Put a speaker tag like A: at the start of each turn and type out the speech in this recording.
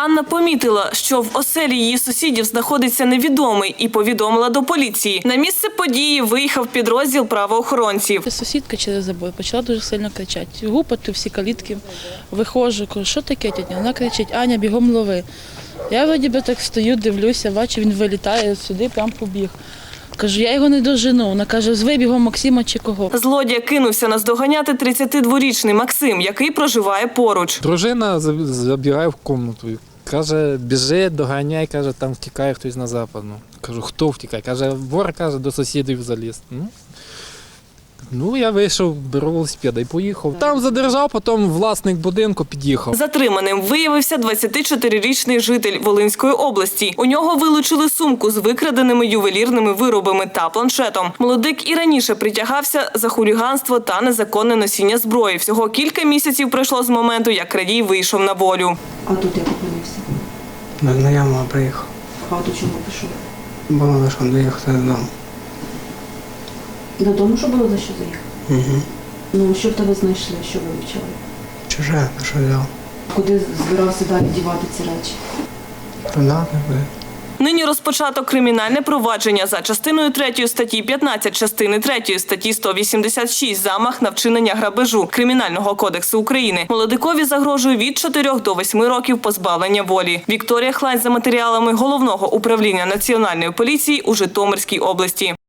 A: Анна помітила, що в оселі її сусідів знаходиться невідомий і повідомила до поліції. На місце події виїхав підрозділ правоохоронців.
B: Сусідка через забор почала дуже сильно кричати. Гупати всі калітки. Виходжу, кажу, що таке, тітя? Вона кричить: Аня, бігом лови. Я вроді би так стою, дивлюся, бачу, він вилітає сюди, прям побіг. Кажу, я його не дожену. Вона каже, зви бігом Максима чи кого.
A: Злодія кинувся наздоганяти 32-річний Максим, який проживає поруч.
C: Дружина забігає в кімнату. Каже, біжи, доганяй, каже, там втікає хтось на западну. Кажу, хто втікає? Каже, вор, каже, до сусідів заліз. Ну, я вийшов, беру велосипеда і поїхав. Там задержав, потім власник будинку під'їхав.
A: Затриманим виявився 24-річний житель Волинської області. У нього вилучили сумку з викраденими ювелірними виробами та планшетом. Молодик і раніше притягався за хуліганство та незаконне носіння зброї. Всього кілька місяців пройшло з моменту, як крадій вийшов на волю.
D: А тут як опинився?
E: До знайомого приїхав.
D: А до чого пішов?
E: Було лише доїхати додому.
D: Додому, що було за що заїхав?
E: Угу.
D: Ну, що в тебе знайшли, що вивчали?
E: Чуже, на що взяв?
D: Куди збирався далі дівати ці речі?
E: Продати буде.
A: Нині розпочато кримінальне провадження за частиною 3 статті 15, частини 3 статті 186 «Замах на вчинення грабежу» Кримінального кодексу України. Молодикові загрожує від 4 до 8 років позбавлення волі. Вікторія Хлань за матеріалами Головного управління Національної поліції у Житомирській області.